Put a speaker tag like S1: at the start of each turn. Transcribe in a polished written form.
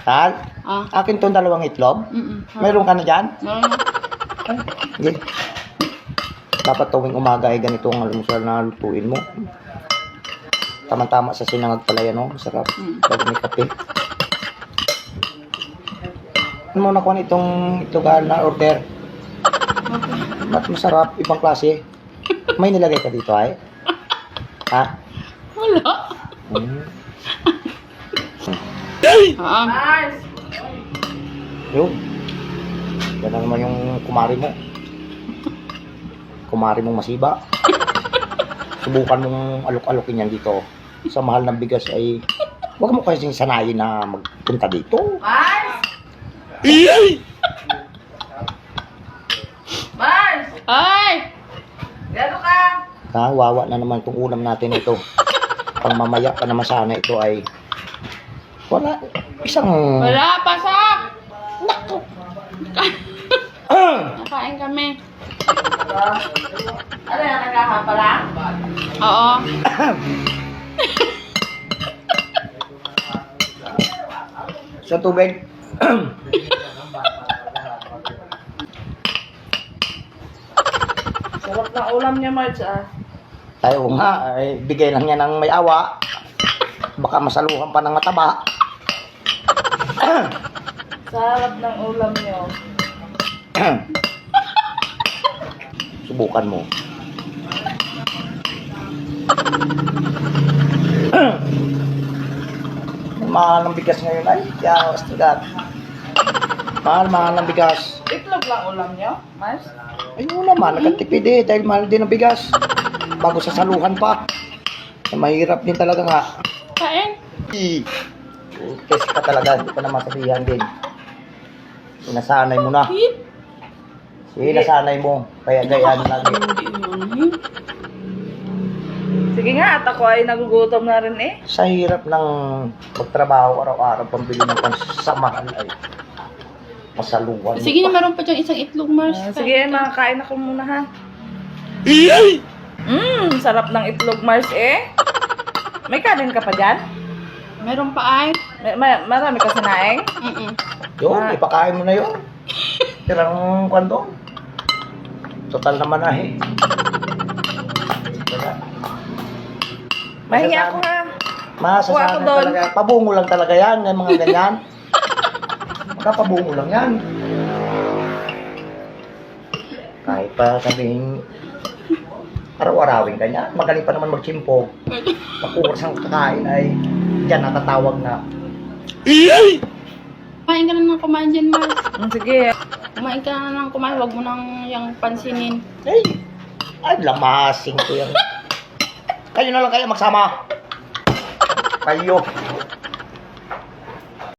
S1: Tal?
S2: Ah.
S1: Akin tong dalawang itlog. Mayroon ka na dyan?
S2: Meron na.
S1: Sige. Dapat tuwing umaga ay ganito ang almusal na lutuin mo. Tama-tama sa sinangag pala yan, oh. Masarap. Pag may kape. Ano mo nakuha itong itlogan na order? Ba't masarap? Ibang klase. May nilagay ka dito, ay? Ha?
S2: Wala.
S3: Mars!
S1: Yun. Yan na naman yung kumari mo. Kumari mong masiba. Subukan mong alok-alokin yan dito. Sa mahal ng bigas ay huwag mo kasing sanayin na magpunta dito.
S3: Mars! Mars!
S2: Ay!
S3: Gano ka?
S1: Wawa na naman itong ulam natin ito. Pang mamaya pa naman sana ito ay wala. Isang
S2: Wala, pasak! Nakain kami.
S3: Ano yan, nagkahapa lang?
S2: Oo.
S1: sa tubig.
S3: Sarap na ulam niya, Mars, ah.
S1: Tayo nga, ay bigay lang yan ng may awa. Baka masaluhan pa ng mataba.
S3: Sarap ng ulam niyo.
S1: Subukan mo. Mahal ng bigas ngayon ay. Yawas tigat. Mahal ng bigas.
S3: Itlog lang ulam niyo, Mars?
S1: Ayun naman, nagkatipid eh. Dahil mahal din ang bigas. Bago sa saluhan pa. Mahirap din talaga nga.
S2: Kain.
S1: Test ka talaga. Hindi ka na masabihan din. Sinasanay mo na. Sinasanay mo. Kaya gayaan lagi.
S3: Sige nga, at ako ay nagugutom na rin eh.
S1: Sa hirap ng magtrabaho araw-araw, pambili ng pansamahan ay masaluhan.
S2: Sige na, meron pa dyan isang itlog, Mars.
S3: Sige, makakain ako muna ha. Sarap ng itlog, Mars eh. May kanin ka pa dyan?
S2: Meron pa ay.
S3: Marami ka sinaing?
S1: Yun, ipakain mo na yun. Tirang kwando. Total naman na eh.
S3: Mahingi ako ha.
S1: Masasanay
S3: Ako doon.
S1: talaga. Pabungo lang talaga yan, yung mga ganyan. Magkapabungo lang yan. Kahit pa sabihin, araw-arawin ka niya. Magaling pa naman magsimpo. Pag-uras ang kakain ay dyan natatawag na.
S2: Kumain ka na ng kumain dyan, Mars.
S3: Sige.
S2: Kumain ka na ng kumain. Huwag mo nang yung pansinin.
S1: Ay, lamasing ko yan. Kayo na lang kayo magsama. Kayo.